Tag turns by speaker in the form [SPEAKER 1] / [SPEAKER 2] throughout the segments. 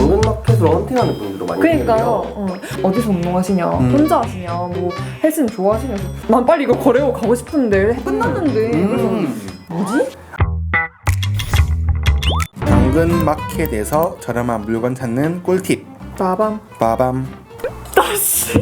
[SPEAKER 1] 당근마켓으로 헌팅하는 분들도 많이
[SPEAKER 2] 그러니까요.
[SPEAKER 1] 있는데요.
[SPEAKER 2] 어디서 운동하시냐, 혼자 하시냐, 뭐 헬스는 좋아하시냐. 난 빨리 이거 거래하고 가고 싶은데 끝났는데 그래서 뭐지?
[SPEAKER 3] 당근마켓에서 저렴한 물건 찾는 꿀팁.
[SPEAKER 2] 나밤.
[SPEAKER 3] 빠밤.
[SPEAKER 2] 다시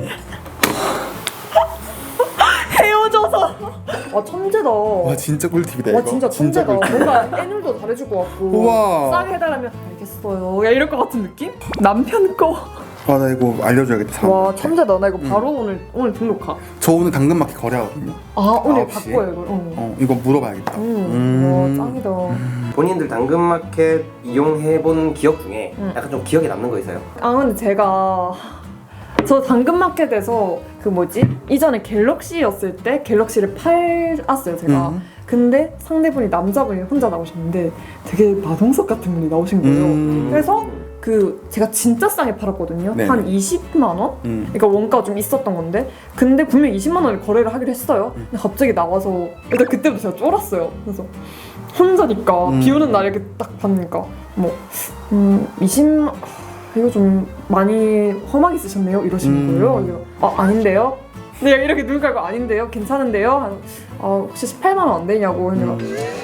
[SPEAKER 2] 헤어져서. 와 천재다.
[SPEAKER 3] 와 진짜 꿀팁이다 이거.
[SPEAKER 2] 와 진짜 천재다.
[SPEAKER 3] 꿀팁.
[SPEAKER 2] 뭔가 애늘도 잘해줄 것 같고.
[SPEAKER 3] 우와.
[SPEAKER 2] 싸게 해달라면 알겠어요. 야 이럴 것 같은 느낌? 남편 거.
[SPEAKER 3] 아 나 이거 알려줘야겠다.
[SPEAKER 2] 와 천재다. 나 이거 바로 오늘 등록하.
[SPEAKER 3] 저 오늘 당근마켓 거래하거든요.
[SPEAKER 2] 아 오늘
[SPEAKER 3] 9시?
[SPEAKER 2] 바꿔요 이걸.
[SPEAKER 3] 이거 물어봐야겠다.
[SPEAKER 2] 와 짱이다.
[SPEAKER 1] 본인들 당근마켓 이용해본 기억 중에 약간 좀 기억에 남는 거 있어요?
[SPEAKER 2] 아 근데 제가 저 당근마켓에서 그 뭐지? 이전에 갤럭시였을 때 갤럭시를 팔았어요 제가. 근데 상대분이 남자분이 혼자 나오셨는데 되게 마동석 같은 분이 나오신 거예요. 그래서 그 제가 진짜 싸게 팔았거든요.
[SPEAKER 3] 네네.
[SPEAKER 2] 한 20만 원? 그러니까 원가가 좀 있었던 건데 근데 분명 20만 원을 거래를 하기로 했어요. 근데 갑자기 나와서 일단 그때부터 제가 쫄았어요. 그래서 혼자니까 비 오는 날 이렇게 딱 봤으니까 뭐 20만 이거 좀 많이 험하게 쓰셨네요 이러시는 거예요. 그래서 아닌데요? 네 이렇게 눈 깔고 아닌데요? 괜찮은데요? 혹시 18만 원 안 되냐고 했는데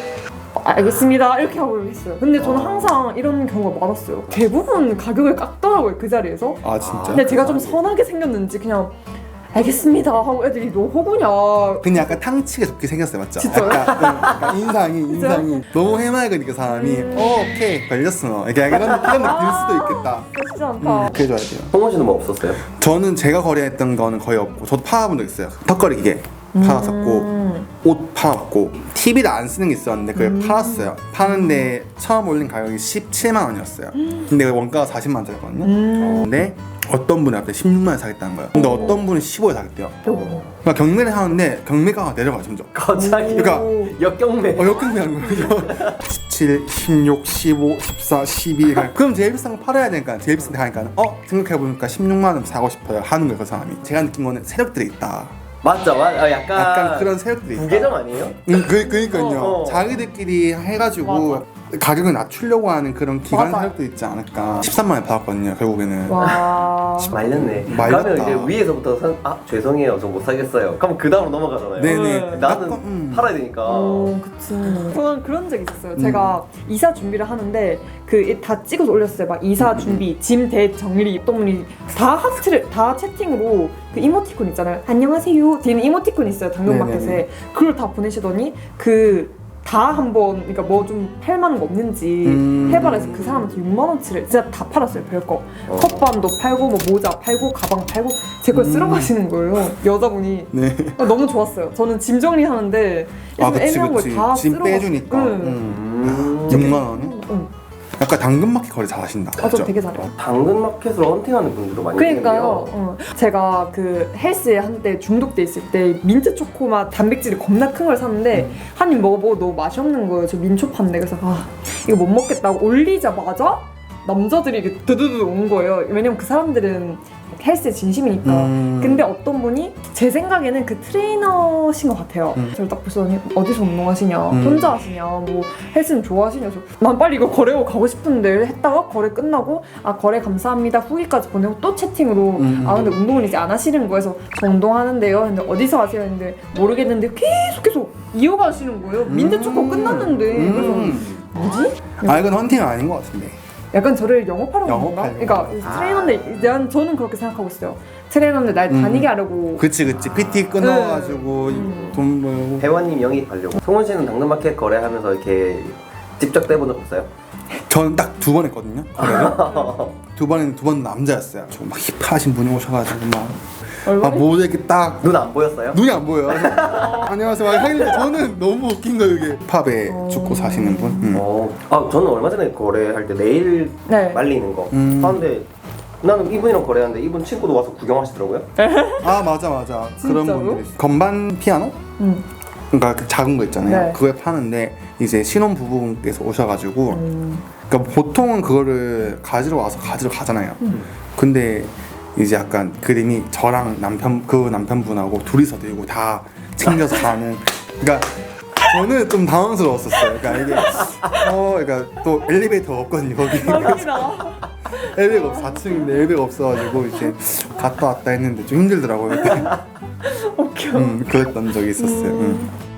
[SPEAKER 2] 알겠습니다 이렇게 하고 했어요. 근데 저는 항상 이런 경우가 많았어요. 대부분 가격을 깎더라고요 그 자리에서.
[SPEAKER 3] 아 진짜?
[SPEAKER 2] 근데 제가 좀 선하게 생겼는지 그냥 알겠습니다 하고 애들이 너 호구냐.
[SPEAKER 3] 근데 약간 탕치게 좋게 생겼어요 맞죠?
[SPEAKER 2] 진짜요?
[SPEAKER 3] 약간 인상이 너무 해맑으니까 사람이 오케이 걸렸어 이렇게 이런 느낌일 수도 있겠다.
[SPEAKER 2] 멋지지 않다.
[SPEAKER 3] 그래줘야 돼요.
[SPEAKER 1] 홍원 씨는 뭐 없었어요?
[SPEAKER 3] 저는 제가 거래했던 거는 거의 없고 저도 팔아본 적 있어요. 턱걸이 기계 팔았었고 옷 팔았고 TV를 안 쓰는 게 있었는데 그걸 팔았어요. 파는데 처음 올린 가격이 17만 원이었어요. 근데 원가가 40만 원짜리거든요. 근데 어떤 분이 앞에 16만 원 사겠다는 거예요. 근데 어떤 분은 15에 사겠대요. 그러니까 경매를 하는데 경매가가 내려가요 점점.
[SPEAKER 1] 갑자기
[SPEAKER 3] 그러니까
[SPEAKER 1] 역경매.
[SPEAKER 3] 역경매한 거예요. 17, 16, 15, 14, 12 그럼 제일 비싼 거 팔아야 되니까 제일 비싼 데 가니까 생각해보니까 16만 원 사고 싶어요 하는 거예요 그 사람이. 제가 느낀 거는 세력들이 있다.
[SPEAKER 1] 맞죠?
[SPEAKER 3] 약간 그런 세력들이 있다.
[SPEAKER 1] 부계정 아니에요?
[SPEAKER 3] 그러니까요. 자기들끼리 해가지고 가격을 낮추려고 하는 그런 기관
[SPEAKER 2] 맞아.
[SPEAKER 3] 세력도 있지 않을까. 13만 원 받았거든요 결국에는.
[SPEAKER 2] 와.
[SPEAKER 1] 말렸네.
[SPEAKER 3] 말렸다.
[SPEAKER 1] 그러면 이제 위에서부터 죄송해요 저 못 사겠어요. 그럼 그 다음으로 넘어가잖아요.
[SPEAKER 3] 네네.
[SPEAKER 1] 나는 팔아야 되니까.
[SPEAKER 2] 그치. 저는 그런 적 있었어요. 제가 이사 준비를 하는데 그 다 찍어서 올렸어요. 막 이사 준비, 짐 대정리. 어떤 분이 다 하트를 다 채팅으로 그 이모티콘 있잖아요. 안녕하세요. 뒤에는 이모티콘 있어요. 당근마켓에.
[SPEAKER 3] 네네네.
[SPEAKER 2] 그걸 다 보내시더니 다 한번 그러니까 뭐 좀 팔만한 거 없는지 해봐라 해서 그 사람한테 6만 원치를 진짜 다 팔았어요. 별거. 컵반도 팔고 뭐 모자 팔고 가방 팔고 제 걸 쓸어 가시는 거예요. 여자분이.
[SPEAKER 3] 네.
[SPEAKER 2] 너무 좋았어요. 저는 짐 정리하는데 애매한 걸 다
[SPEAKER 3] 짐
[SPEAKER 2] 쓸어
[SPEAKER 3] 빼주니까. 6만 원은? 약간 당근마켓 거래 잘하신다.
[SPEAKER 2] 저 되게 잘해요.
[SPEAKER 1] 당근마켓으로 헌팅하는 분들도 많이
[SPEAKER 2] 그러니까요.
[SPEAKER 1] 있는데요.
[SPEAKER 2] 제가 그 헬스에 한때 중독돼 있을 때 민트 초코맛 단백질이 겁나 큰 걸 샀는데 한 입 먹어보고 너무 맛이 없는 거예요. 저 민초 판데 그래서 이거 못 먹겠다고 올리자마자 남자들이 이렇게 드드드 오는 거예요. 왜냐면 그 사람들은 헬스에 진심이니까. 근데 어떤 분이 제 생각에는 그 트레이너신 것 같아요. 저를 딱 보시더니 어디서 운동하시냐, 혼자 하시냐, 뭐 헬스는 좋아하시냐. 난 빨리 이거 거래하고 가고 싶은데 했다가 거래 끝나고 거래 감사합니다 후기까지 보내고 또 채팅으로 근데 운동을 이제 안 하시는 거여서 저 운동하는데요. 근데 어디서 하세요? 했는데 모르겠는데 계속 이어가시는 거예요. 민트 초코 끝났는데 그래서 뭐지?
[SPEAKER 3] 이건 헌팅은 아닌 것 같은데.
[SPEAKER 2] 약간 저를 영업하려고 하는 건가?
[SPEAKER 3] 영업하려고.
[SPEAKER 2] 그러니까 트레이너인데 저는 그렇게 생각하고 있어요. 트레이너인데 날 다니게 하려고.
[SPEAKER 3] 그치 PT 끊어가지고 돈 벌고.
[SPEAKER 1] 회원님 영입하려고. 송원 씨는 당근마켓 거래하면서 이렇게 직접 떼본 적 없어요?
[SPEAKER 3] 저는 딱 2번 했거든요. 두 번 남자였어요. 좀 막 힙하신 분이 오셔가지고 막 모자 이렇게 딱
[SPEAKER 1] 눈 안 보였어요?
[SPEAKER 3] 눈이 안 보여요. 안녕하세요. 하길래 저는 너무 웃긴 거예요 이게. 팝에 죽고 사시는 분.
[SPEAKER 1] 저는 얼마 전에 거래할 때 네일 말리는 거 하는데 나는 이분이랑 거래하는데 이분 친구도 와서 구경하시더라고요.
[SPEAKER 3] 맞아. 그런
[SPEAKER 2] 진짜로?
[SPEAKER 3] 분들이 있어요. 건반 피아노? 그러니까 그 작은 거 있잖아요.
[SPEAKER 2] 네.
[SPEAKER 3] 그걸 파는데 이제 신혼 부부분께서 오셔가지고 그러니까 보통은 그거를 가지러 가잖아요. 근데 이제 약간 그림이 저랑 남편분하고 둘이서 들고 다 챙겨서 가는. 그러니까 저는 좀 당황스러웠었어요. 그러니까 이게 그러니까 또 엘리베이터가 없거든요 거기. 엘베가 없어. 4층인데 엘베가 없어가지고 이제 갔다 왔다 했는데 좀 힘들더라고요.
[SPEAKER 2] 웃겨.
[SPEAKER 3] 그랬던 적이 있었어요.